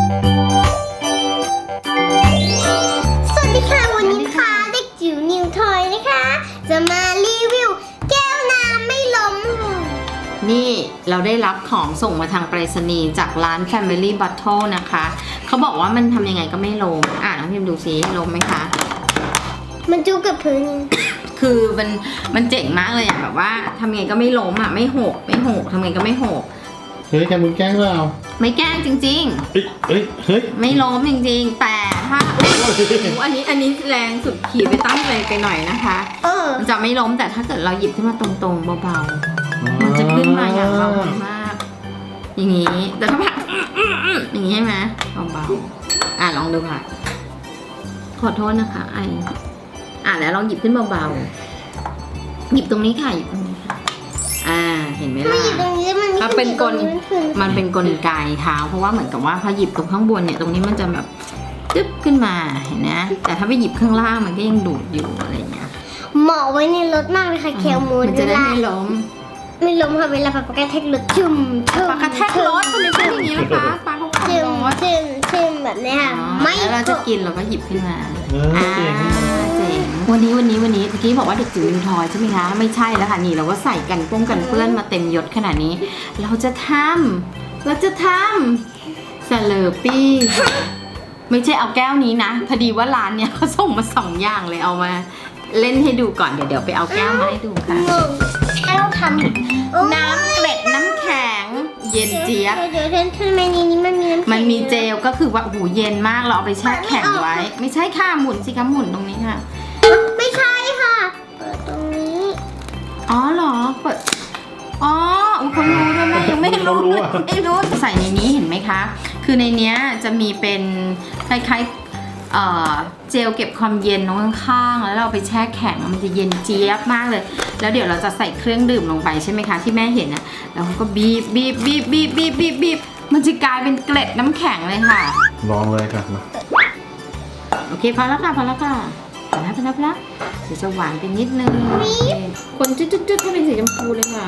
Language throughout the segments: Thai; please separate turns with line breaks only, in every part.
สวัสดีค่ะวันนี้นะคะเด็กจิ๋วนิวทอยนะคะจะมารีวิวแก้วน้ำไม่ล้ม
นี่เราได้รับของส่งมาทางไปรษณีย์จากร้าน Family Bottle นะคะเขาบอกว่ามันทำยังไงก็ไม่ล้มน้องพิมดูซิล้มไหมคะ
มันจุกกับพื้น
คือมันเจ๋งมากเลยอ่ะแบบว่าทำยังไงก็ไม่ล้มอ่ะไม่หกทำยังไงก็ไม่หก
เฮ้ยแกมึงแกล้งเปล่า
ไม่แกล้งจริง
ๆเฮ้ย
ไม่ล้มจริงๆแต่ถ้าอันนี้แรงสุดขีดไปตั้งใจไปหน่อยนะคะมันจะไม่ล้มแต่ถ้าเกิดเราหยิบขึ้นมาตรงๆเบาๆมันจะขึ้นมาอย่างเบามากอย่างนี้แต่ถ้าแบบอย่างนี้ใช่ไหมเบาๆลองดูค่ะขอโทษนะคะแล้วลองหยิบขึ้นเบาๆหยิบตรงนี้ค่ะหยิบตรงนี้ค่ะเห็นไหมล่ะถ้าเป็นมันเป็นกลไกเท้าเพราะว่าเหมือนกับว่าพอหยิบตรงข้างบนเนี่ยตรงนี้มันจะแบบตึ๊บขึ้นมาเห็นนะแต่ถ้าไปหยิบข้างล่างมันก็ยังดูดอยู่อะไรเงี้ย
เหมาะไว้ในรถมากเลยค่ะแคลมูน
มันจะได้ไม่ล้ม
ค่ะเวลาปากกระแทกรถชุ่ม
ปากกระแทกรถทำไมเป็นอย่างนี้ล่ะคะปากเขาขับรถ
ชุ่มแบบนี้ค่ะ
ไม่เราจะกินเราก็หยิบขึ้นมาเจ๋งวันนี้เมื่อกี้บอกว่าเด็กจิ๋วนิวทอยใช่ไหมคะไม่ใช่แล้วค่ะนี่เราก็ใส่กันเปื้อนมาเต็มยศขนาดนี้เราจะทำสเลอร์ปี้ไม่ใช่เอาแก้วนี้นะพอดีว่าร้านเนี้ยเขาส่งมา2 อย่างเลยเอามาเล่นให้ดูก่อนเดี๋ยวไปเอาแก้วมาให้ดูค่ะ
แก้วทำ
น้ำเกล็ดน้ำแข็งเย็นเจี๊ยบ
เดี๋ยวทำไมในนี้มันมีน้ำแข็ง
มันมีเจลก็คือว่าหูเย็นมากเราเอาไปแช่แข็งไว้ไม่ใช่ค่ะหมุนสิคะหมุนตรงนี้ค่ะ
ไม่ใช่ค่ะเปิดตรงนี้
เหรอเปิดคนรู้ด้วยแม่ยังไม่รู้ใส่ในนี้เห็นไหมคะคือในเนี้ยจะมีเป็นคล้ายๆเจลเก็บความเย็นข้างๆแล้วเราไปแช่แข็งมันจะเย็นเจี๊ยบมากเลยแล้วเดี๋ยวเราจะใส่เครื่องดื่มลงไปใช่ไหมคะที่แม่เห็นนะแล้วก็บีบมันจะกลายเป็นเกล็ดน้ำแข็งเลยค่ะ
ลองเลยค่ะ
โอเคพอแล้วค่ะพอแล้วเดี๋ยวจะหวานไปนิดนึงคนจุดให้เป็นสีชมพูเลยค่ะ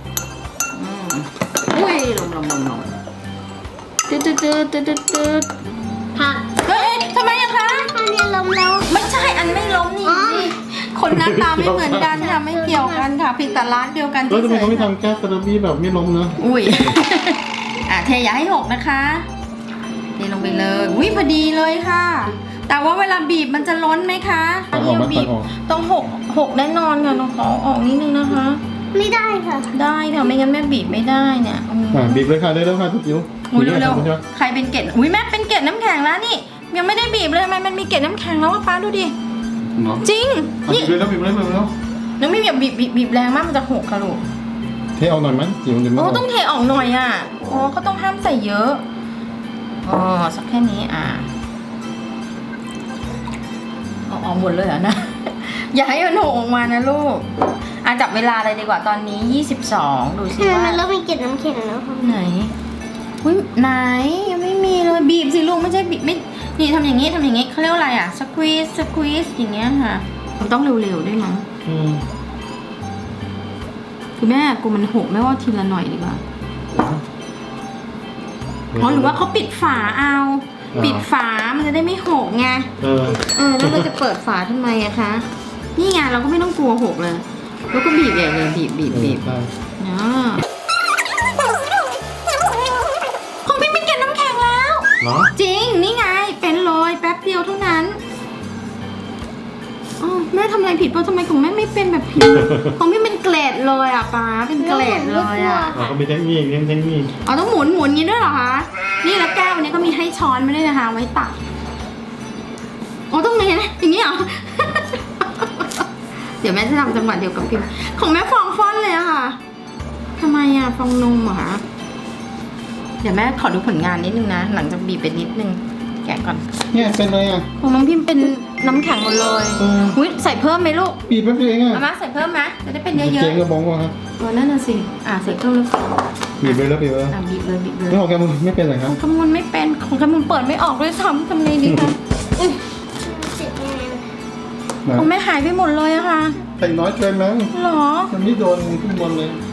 อุ้ยลงจุด
ค่ะ
เฮ้ยทำไมอะคะ
อันนี้ล้มแล้ว
ไม่ใช่อันไม่ล้มนี่คนหน้าตาไม่เหมือนกันค่ะไม่เกี่ยวกันค่ะผิดแต่ร้านเดียวกัน
ทำไมเขาไม่ทำแก้วสตรอเบอรี่แบบไม่ล้มนะ
อุ้ยเทอย่าให้หกนะคะเทลงไปเลยอุ้ยพอดีเลยค่ะแต่ว่าเวลาบีบมันจะล้นไหมคะบีบต้องหกแน่นอนค่ะต้องขอออกนิดนึงนะคะ
ไม่ได้ค่ะ
ได้ค่ะไม่งั้นแม่บีบไม่ได้เนี่ย
บีบเลยค่ะได้แล้วค่ะทุกจิ๋ว
เร็วใครเป็นเกล็ดแม่เป็นเกล็ดน้ำแข็งแล้วนี่ยังไม่ได้บีบเลยทำไมมันมีเกล็ดน้ำแข็งแล้วป้าดูดิจริง
นี่บีบเลย
น้องไม่บีบแรงมากมันจะหกค่ะลูก
เทออกหน่อยมั้ยจิ๋ว
ต้องเทออกหน่อยเขาต้องห้ามใส่เยอะสักแค่นี้ออกหมดเลยนะอย่าให้มันหกออกมานะลูกจับเวลาเลยดีกว่าตอนนี้22ดูสิว่า
มันเริ่มมีเกล็ดน้ำแข็งแล้วค่ะ
ไหนยังไม่มีเลยบีบสิลูกไม่ใช่บีบไม่นี่ทำอย่างนี้เขาเรียกว่าอะไรสควีสอย่างเงี้ยค่ะมันต้องเร็วๆด้วยมั้งคือแม่กูมันหกแม่ว่าทีละหน่อยดีกว่าหรือว่าเขาปิดฝาปิดฝามันจะได้ไม่หกไงแล้วเราจะเปิดฝาทำไมอะคะนี่ไงเราก็ไม่ต้องกลัวหกเลยแล้วก็บีบใหญ่เลยบีบของพี่เป็นเกล็ดน้ำแข็งแล้วจริงนี่ไงเป็นเลยแป๊บเดียวเท่านั้นแม่ทำอะไรผิดป่ะทำไมของแม่ไม่เป็นแบบพี่ของพี่เป็นเกล็ดเลยป้าเป็นเกล็ดเลย
ก็มีเทคนิค
ต้องหมุนงี้ด้วยเหรอคะนี่แล้วแก้ววันนี้ก็มีให้ช้อนไม่ได้นะคะไว้ตักต้องไงนะอย่างนี้เหรอเดี๋ยวแม่จะทำจังหวะเดียวกับพิมของแม่ฟองฟ้อนเลยอะค่ะทำไมฟองนมเหรอคะเดี๋ยวแม่ขอดูผลงานนิดนึงนะหลังจากบีบไปนิดนึงแกะก่อน
เนี่ยเป็นเลย
ของน้องพิมเป็นน้ำแข็งหมดเลยใส่เพิ่มไหมลูก
บีบแป๊บเดียวเอง
มาใส่เพิ่มไหมจะได้เป็นเยอะๆ
เจ๊งกระบองวะครับ
นั่นน่ะสิใส่เพิ่มแล้ว
บีบเลยบีบเลยไม่ของแกมุนไม่เป็นเลยครับ
ของแกมุนไม่เป็นของแกมุนเปิดไม่ออกด้วยซ้ำทำไงดีคะของแม่หายไปหมดเลยอะค่ะ
ใส่น้อยเกินมั้ง
หรอ
มันไม่โดนขึ้นบนเลย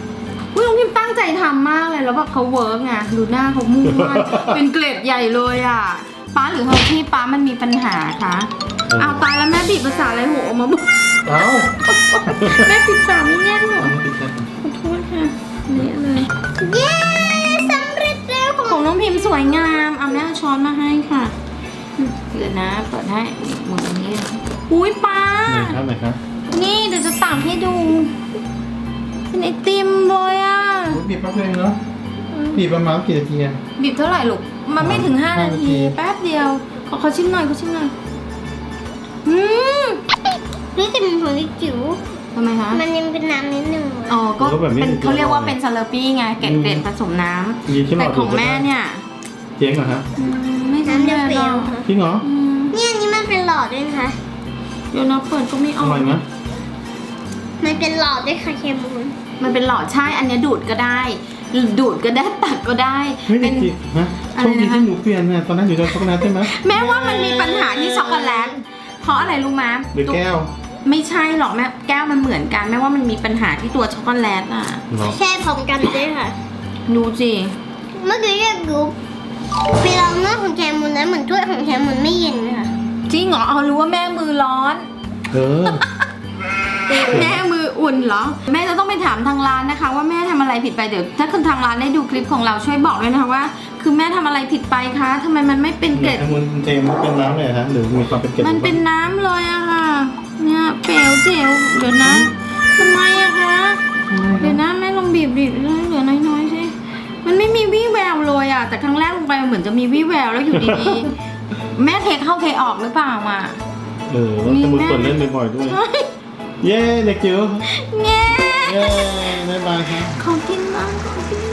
อุ้ยน้องพิมตั้งใจทำมากเลยแล้วแบบเขาเวิร์กไงดูหน้าเขามุ่งมั่น เป็นเกรดใหญ่เลยอ่ะป้าหรือเฮาที่ป้ามันมีปัญหาคะเอาตายแล้วแม่บีบภาษาอะไรหัวออกมาบอก
เอ้า
แม่ปิดฝาไม่แน่นหรอ
อันนี้ติดแค่
ขอโทษค่ะนี่เลย
เย้สำเร็จแล้วของ
ของน้องพิมพ์สวยงามเอาแม่เอาช้อนมาให้ค่ะเดี๋ยวนะเปิดให้หมดอย่างนี้อุ้ยป้า
ไหนครับไหนครับ
นี่เดี๋ยวจะตักให้ดูเป็นไอติมเลยอ่ะ
อุ๊ยบีบแป๊บเดียวเนาะบีบประมาณกี่นาทีอะ
บีบเท่าไหร่ลูกมันไม่ถึง5
5
นาที แป๊บเดียวเขาชิมหน่อยเขาชิมหน่อยอืม
นี่จะเป็นของเด็กจิ๋ว
ทำไมคะ
มันยังเป็นน้ำนิดนึงอะ
อ๋อก็เป็นเขาเรียกว่าเป็นซาลาปี้ไงเกล็ดผสมน้
มีใช่
ำ
ไหม
แต่ของแม่เนี่ย
เจ๊งเหรอฮะ
ไม่ใช่
น้ำ
แม่
เปรี้
หร
ยว
อก
ๆค่ะ
จริงเหรอ
เนี่ยอันนี้มันเป็นหลอดด้วยนะคะ
เดี๋ยวนะเปิดก็ไม่อ
อ
อก
ร่อยไหม
มันเป็นหลอดด้วยค่ะเคมูล
มันเป็นหลอดใช่อันเนี้ยดูดก็ได้ ดูดก็ได้ตักก็ได้
เฮ้ย
เป็น
จริงฮะ
อะ
โช
ไร
คดี
นะคะ
ที่หนูเปลี่ยนเนี่ยตอนนั้นอยู่ในช็อกโกแลตใช่ไหม
แม่ว่ามันมีปัญหาที่ช็อกโกแลตเพราะอะไรรู้ไหม
หรือแก้ว
ไม่ใช่หรอกแม่แก้วมันเหมือนกันแม่ว่ามันมีปัญหาที่ตัวช็อกโกแลตอ่ะ
เหรอ
แช่พร้อมกันด้วยค่ะ
ดูสิ
เมื่อกี้เรียกรูปไปลองเนื้อของแคมูลแล้วเหมือนถ้วยของแคมูลไม่เย็นเลยค่ะ
จริงเหรอเอารู้ว่าแม่มือร้อน
เออ
แม่มืออุ่นเหรอ แม่จะต้องไปถามทางร้านนะคะ ว่าแม่ทำอะไรผิดไปเดี๋ยวถ้าคุณทางร้านได้ดูคลิปของเราช่วยบอกด้วยนะคะว่า คือแม่ทำอะไรผิดไปคะทำไมมันไม่เป็นเกล็ด
แคมูลเจมเป็นน้ำเลยฮะหรือมีความเป็นเกล็ด
มันเป็นน้ำเลยอะค่ะ เนี่ยเปลวเจลเดี๋ยวนะทำไมอะคะ เดี๋ยวนะแม่ลองบีบเหลือน้อยๆสิมันไม่มีวี่แววเลยอะแต่ครั้งแรกลงไปมันเหมือนจะมีวี่แววแล้วอยู่ดีๆ แม่เทเข้าเทออกหรือเปล่าอะ
เออแคมูลเปิดเล่นบ่อยๆด้วย
ใช่
เย้เด็กจิ๋ว
แง่
เย้บ๊ายบายครับ
ขอกินบ้างขอกิน